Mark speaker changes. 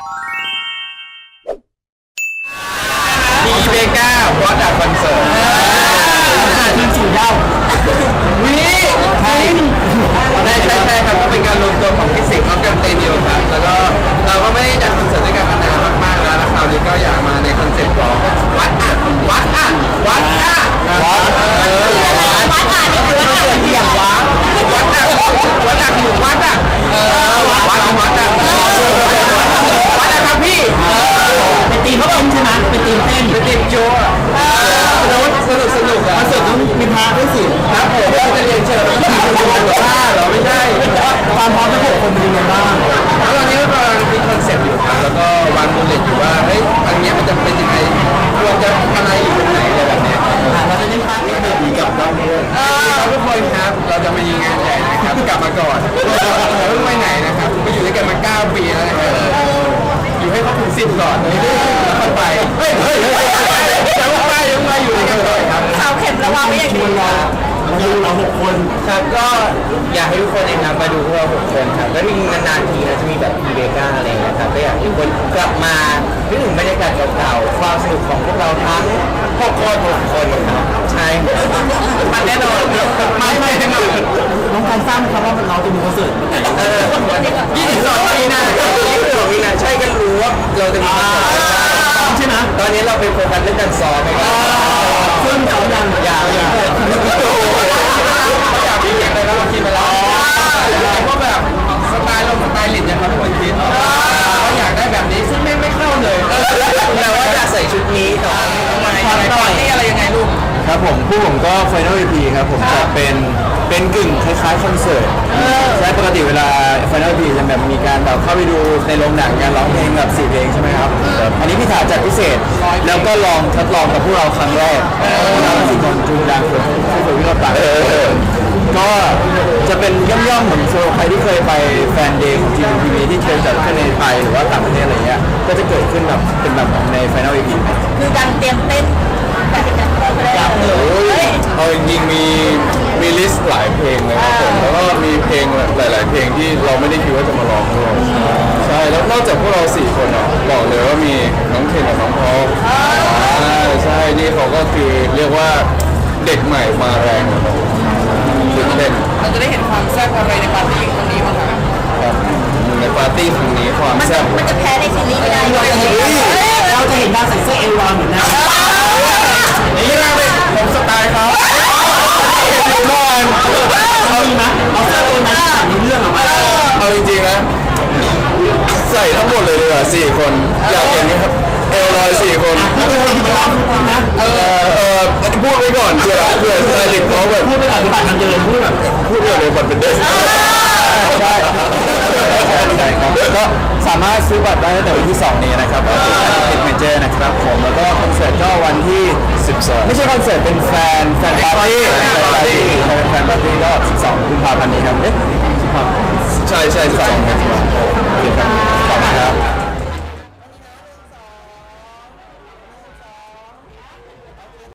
Speaker 1: ดีเบก้าวอตคอนเสิร์ตทีมสู่ดาววิใช่ครับก็เป็นการรวมตัวของฟิสิกส์ออฟกันเตนิวครับแล้วก็เราก็ไม่ได้จัดคอนเสิร์ตด้วยกันมานานมากๆแล้วคราวนี้ก็อยากมาในคอนเซ็ปต์ของวัดอ่ะนี่คือวัดอ่ะนี่คือวัดอ่ะอย่างวัดอ่ะอยู่วัดอ่ะวัดอ่ะครับพี่เป็นทีมเขาเป็นใช่ไหมเป็นทีมเต้นเป็นทีมโจ้แล้วสนุกอ่ะคอนเสิร์ตต้องมีพาด้วยสิครับผมก็จะเรียนเชิญทีมโจ้ว่าเหรอไม่ใช่ความพร้อมทั้ง6คนเป็นยังไงบ้างแล้วตอนนี้ก็กำลังมีคอนเซ็ปต์อยู่ครับแล้วก็วางโมเดลอยู่ว่าเฮ้ยอันนี้มันจะเป็นยังไงควรจะอะไรอยู่ตรงไหนอะไรแบบนี้เราจะเล่นพาร์ทนี้แบบนี้กับน้องด้วยทุกคนครับเราจะมายิงงานใหญ่นะครับกลับมาก่อนเราไม่ไปไหนนะครับก็อยู่ด้วยกันมา9 ปีแล้วนะครับอยู่ให้ครบถึง10ก่อนแล้วค่อยไปยังมาอยู่ด้วยกันก่อนครับ
Speaker 2: สาวเข็มระวังไว้อย่างนี้
Speaker 1: เรา6 คนครับก็อยากให้ทุกคนนะครับมาดูพวกเรา6 คนครับแล้วมีนานๆทีนะจะมีแบบอีเบก้าอะไรอย่างเงี้ยครับก็อยากให้ทุกคนกลับมานึกถึงบรรยากาศเก่าๆความสนุกของพวกเราทั้ง6 คนครับใช่มันแน่นอนไม่แน่นอนน้องการสร้างครับว่าเราจะมีคอนเสิร์ตวันไหน22 มีนาใช่กันรู้ว่าเราจะมีคอนเสิร์ตใช่ไหมตอนนี้เราไปโฟกัสเรื่องการซ้อมไปก่อนซึ่งเราอยากมีเพลงอะไรแล้วเราคิดไปแล้วว่าแบบสไตล์เราสไตล์ลินเนี่ยครับทุกคนคิดเราอยากได้แบบนี้ซึ่งไม่เข้าเลยแต่ว่าอยากใส่ชุดนี้ต่อมานี่อะไรยังไงลูกครับผมผมก็ Final EP ครับผมจะเป็นกึ่งคล้ายๆคอนเสิร์ตใช่ปกติเวลา Final EP จะแบบมีการแบบเข้าไปดูในโรงหนังการร้องเพลงแบบ4 เพลงใช่ไหมครับอันนี้พี่ถาจัดพิเศษแล้วก็ลองทดลองกับพวกเราครั้งแรกเรา4 คนจูงดังคนที่เราต่างก็จะเป็นย่อมๆเหมือนโชว์ใครที่เคยไปแฟนเดย์ของ GMTV ที่เคยจัดขึ้นในไทยหรือว่าต่างประเทศอะไรเงี้ยก็จะเกิดขึ้นแบบเป็นแบบใน Final EP
Speaker 2: คือการเตรียมเต้นแบบที่จะเข้าไปได้
Speaker 3: เอาจริงๆมีลิสต์หลายเพลงเลยครับผมแล้วก็มีเพลงหลายๆเพลงที่เราไม่ได้คิดว่าจะมาร้องด้วยใช่แล้วนอกจากพวกเรา4 คนบอกเลยว่ามีน้องเคนกับน้องพอลใช่นี่เขาก็คือเรียกว่าเด็กใหม่มาแรงตื่นเต้น
Speaker 1: เราจะได้เห็นความแซ่บอะไรในปาร์ตี้ครั้งนี้บ้างครับ
Speaker 3: ในปาร์ตี้ครั้งนี้ความแซ่บ
Speaker 2: มันจะแพ้ในซีรีส์ไม่ได้
Speaker 1: เราจะเห็นดาวใส่เสื้อเอวาเหมือนกัน
Speaker 3: นี่นะผมสไตล์เขา
Speaker 1: เอาอีกนะเอาเสื้อตัวนั้นในเรื่องมา
Speaker 3: เอาจริงๆนะใส่ทั้งหมดเลยดีกว่า4 คนอยากเห็นไหมครับเอลลอย4 คนพูดไว้ก่อนเผื่อสไตลิสต์เขาแบบ
Speaker 1: พูดไปก่อนบัตรมันเดินพูด
Speaker 3: แบบเลยบัตรเป็นเดส
Speaker 1: ใช่ครับก็สามารถซื้อบัตรได้ตั้งแต่วันที่2 นี้นะครับที่เมเจอร์นะครับผมแล้วก็คอนเสิร์ตก็วันที่12ไม่ใช่คอนเสิร์ตเป็นแฟนปาร์ตี้แฟนปาร์ตี้ก็12 กุมภาพันธ์นี้ครับ
Speaker 3: ใช่12